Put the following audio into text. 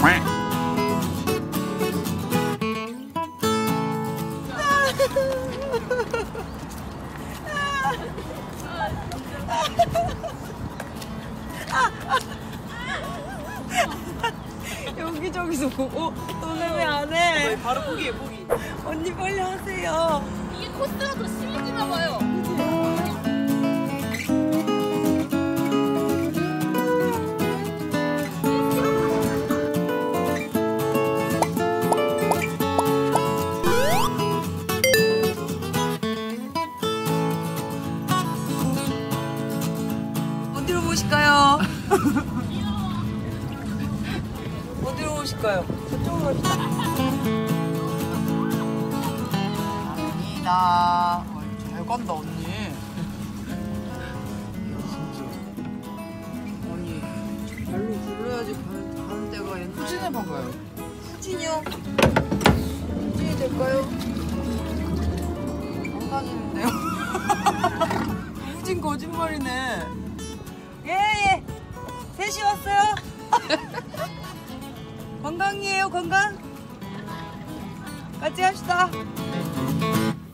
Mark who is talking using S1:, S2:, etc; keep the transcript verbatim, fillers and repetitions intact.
S1: 여기저기서 보고 너네 왜 안 해?
S2: 바로 포기해 포기.
S1: 언니 빨리 하세요.
S3: 이게 코스가 더 심해지나 봐요.
S1: 어디로 보실까요? 어디로 오실까요? 저쪽으로 갑시다.
S2: 아니다. 잘 간다 언니.
S1: 언니 발로 굴러야지 가는, 가는 데가 옛날에.
S2: 후진해 봐봐요.
S1: 후진이요? 후진이 될까요?
S2: 안 가지는데요?
S1: 후진 거짓말이네. 예예. 셋이 왔어요. 건강이에요 건강. 같이 합시다.